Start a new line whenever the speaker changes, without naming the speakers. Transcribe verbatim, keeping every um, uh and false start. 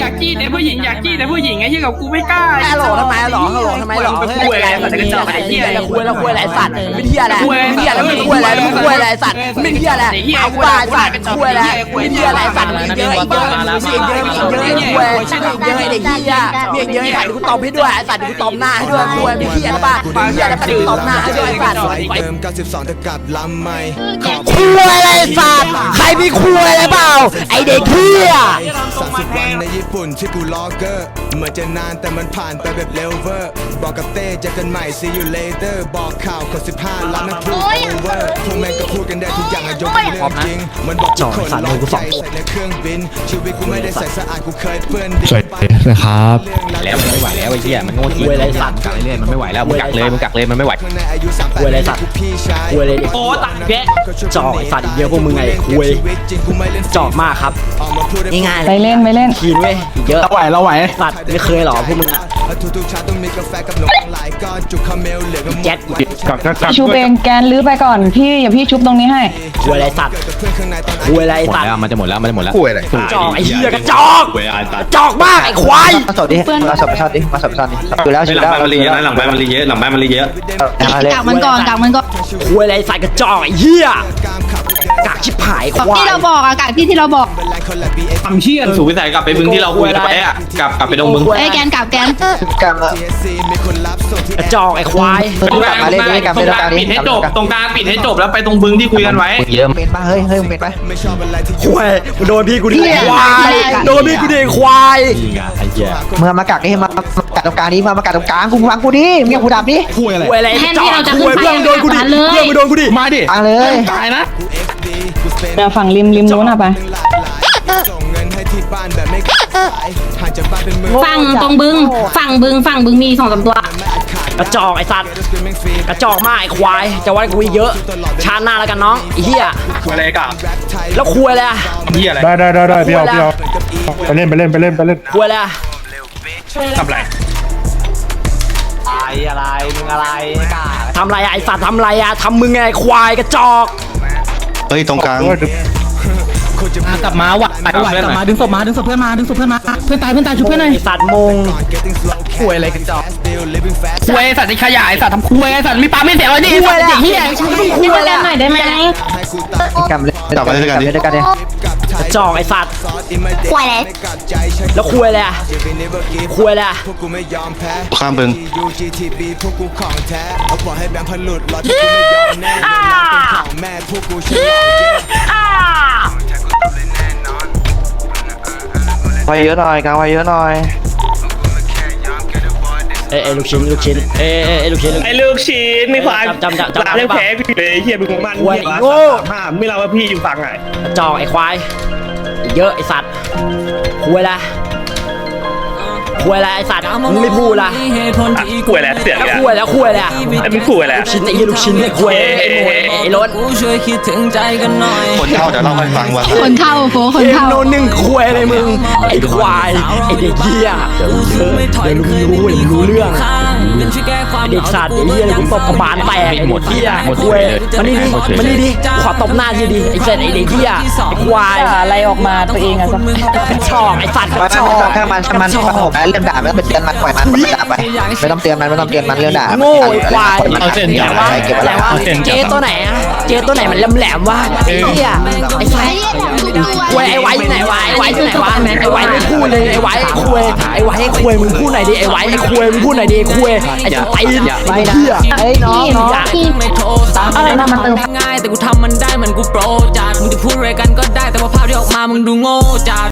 ากจี้แต่ผู้หญิงอยากจี้แต่ผู้หญิงไอ้ที่กับกูไม่กล้า
ฮัลโหลทำไมฮัลโหลฮัลโหลทำไมหรอ
ไปคุยอะไรสัตว์กระจอกไอ้เหี้ย
คุยแล้วคุยอะไรสัตว์ไม่เหี้ยอะไรไม่เหี้ยอะไรไม่คุยอะไรไม่คุยอะไรสัตว์ไม่เหี้ยอะไรเอาบ้าสัตว์คุยอะไรไม่เหี้ยอะไรสัตว์เยอะอีกเยอะมีเยอะมีเยอะคุยเยอะไอ้เด็กเหี้ยมีเยอะไอ้สัตว์กูตบให้ด้วยไอ้สัตว์กูตบหน้าให้ด้วยคุยไม่เหี้ยอะไรบ้าเหี้ยอะไรสัตว์กูตบหน้าให้ด้วยไอ้สัตว์คุยอะไรสัตว์ใครมีคุยอะไรเปล่าไอ้เด็กเหี้ย
สามสิบวันในญี่ปุ่นที่กูล็อกเกอร์เหมือนจะนานแต่มันผ่านไปแบบเร็วเวอร์บอกกับเต้เจอกันใหม่ see you later บอกข่าวคนสิบห้าล้านนั่นพูด over พวกแม่งก็พูดกันได้ทุกอย่างอะยกเป็นเรื่องจริงมันบอกทุกคนลองใจใส่ในเครื่องบินชีวิตกูไม่ได้ใส่สะอาดกูเคยเปื้อนดิน
สวยนะครับ
แล้วมันไม่ไหวแล้วไอ้เหี้ยมันโง่จริงเลยสัตว์กักเรื่อยมันไม่ไหวแล้วมึงกักเลยมึงกักเลยมันไม่ไหว
คุยอะไรสัตว์คุยอะไรโอ้ตัดแกะจ่อไอ้สัตว์เยอะพวกมึงไงคุยจ่อมากครับง่ายๆ
ไปเล่นไปเล่น
ขีนเว้ยเยอะ
เราไหวเราไหว
สัตว์ไม่เคยหรอพวกมึงอ่ะแจ็ค
กักกักกัก
ชุบเองแกนลื้อไปก่อนพี่อย่าพี่ชุบตรงนี้ให้
คุยอะไรสัตว์คุยอะไร
หมด
สัตว์
แล้วมันจะหมดแล้วมันจะหมดแล้ว
คุยอะไร
จ่อไอ้เหี้ยกระจอกกระจอกมากไอ้ควาย
มาสดดิมาสดประชาดิมาสดประชาดิอยู่แล้วอยู่แล้ว
หลังบ้านมันรีเยอะนะหลังบ้านมันรีเยอะหลังบ้านมันรีเยอะ
กากมันก่อนกากมันก่อน
คุยอะไรใส่กระจอกไอ้เหี้ยกากชิบหายควาย
ที่เราบอกอะกากที่ที่เราบอก
ทำเชี่ยสูวิสัยกลับไปบึงที่เราคุยกันไว้อะกลับกลับไปตรงบึง
ไอ้แกนกากแกน
กลาง
กระจอกไอ้ควาย
ตรงกลางปิดให้จบตรงกลางปิดให้จบแล้วไปตรงบึงที่คุยกันไว้
เยอะ
เมนป่ะเฮ้ยเฮ้ยเมนป่ะ
ควายโดนพี่กูดิควายโดนพี่กูดิควาย
ไอ้เหี้ย
เมื่อมากักนี่มากักตรงกลางนี้มามากักตรงกลางกูฟังกูดิมึงอย่ากูดับดิ
คุยอะไร
คุยอะไรกระจอกคุยเพื่อนโดนกูดิเพื่อนมึงโดนกูดิ
มาดิ
กลางเลย
ตายนะ
เดี๋ยวฝั่งริมริมนู้นอะไป
ฝั่งตรงบึงฝั่งบึงฝั่งบึงมีสองสามตัว
กระจอกไอ้สัตว์กระจอกมากไอ้ควายจะวัดกูเยอะชาติหน้าแล้วกันน้องไอ้เหี้ย
คุยอะไรกับ
แล้วคุยอะไรอะ
เหี้ยอะไร
ได้ได้ได้ได้พี่เอาพี่เอาไปเล่นไปเล่นไปเล่นไปเล่น
คุยอะไรอะ
ทำไร
อะไรมึงอะไรทำไรอะไอ้สัตว์ทำไรอะทำมึงไงควายกระจอก
เฮ้ยตรงกลาง
กลับมาว่ะไหวกลับมาดึงศพมาดึงศพเพื่อนมาดึงศพเพื่อนมาเพื่อนตายเพื่อนตายชุบเพื่อนหน่อย
ไอ้สัตว์มง
คุยอะไรกันจอก
คุยสัตว์ที่ขยายสัตว์ทำคุยสัตว์มีปลาไม่เสียเลยนี่
คุยอะไร
เหี้ย
พี่มาเล่นหน่อยได้ไหม
กำเลยกลับมาด้วยกันด้วยกันดิ
กระจอกไอ้สัตว์
ควายเลย
แล้วคุยอะไรอะคุยอะไรอะ
ข้ามบึง
ไวเยอะหน่อยกลางไวเยอะหน่อย
เอ้ยลูกชิ้นลูกชิ้นเอ้ยเอ้ยลูกชิ้น
ไอ้ลูกชิ้นไม่ควาย
จำจำจำ
ลาเล่นแพ้พี่เลยเฮียบึงของมันห้ามไม่เราว่าพี่อยู่ฝั่งไหน
กระจอกไอ้ควายเยอะไอ้สัตว์คุยอะไรคุยอะไรไอ้สัตว์มึงไม่พูดละ
คุยอะไรเสียง
แล้ว
เนี่ย
คุยแล้วคุยอะไรอะ
ไอ้มึงคุยอะไร
ลูกชิ้นไอ้ยี่ลูกชิ้นไอ้คุยไอ้โมไอ้ล้น
คนเข้าเดี๋ยวเล่าให้ฟังว่า
คนเข้าโฟคน
เอ็ม
เข้า
โนหนึ่งคุยอะไรมึงไอ้ควายไอ้เด็กเหี้ยเดี๋ยวเดี๋ยวมึงรู้เดี๋ยวมึงรู้เรื่องไอ้เด็กสัตว์ไอ้เหี้ยกูตบกระบาลแตกไอ้หมดเหี้ยคุยมานี่ดิมานี่ดิขอตบหน้าทีดิไอ้เสร็จไอ้เด็กเหี้ยไอ้ควาย
อะไรออกมาตัวเองอะสัก
กระชอกไอ้สัตว์ก
มั
ระ
น
ชอก
ถ้ามันถ้ามันถ้าผมเรื่องด่าไม่ต้องเป็นเตือนมันปล่อยมันมันด่าไปไม่ต้องเตือนมันไม่ต้องเตือนมันเรื่องด่า
โง่ไอ้ควาย
เอาเส้น
แต่ว่าแต่ว่าเจ๊ตัวไหนอะเจ๊ตัวไหนมันแหลมๆวะไอ้เหี้ยไอ้ไฟคุยไอ้ไว้ที่ไหนวะไอ้ไว้ที่ไหนวะไอ้ไว้ไม่พูดเลยไอ้ไว้คุยไอ้ไว้ให้คุยมึงพูดหน่อยดิไอ้ไว้ไอ้คุยมึงพูดหน่อยดิคุยไอ้สตีนไอ้เหี้ย
เฮ้ยน้องน้องอะไรนะมันเติม
ง่ายแต่กูทำมันได้เหมือนกูโปรจัดมึงจะพูดอะไรกันก็ได้แต่ว่าภาพที่ออกมามึงดูโง่จัด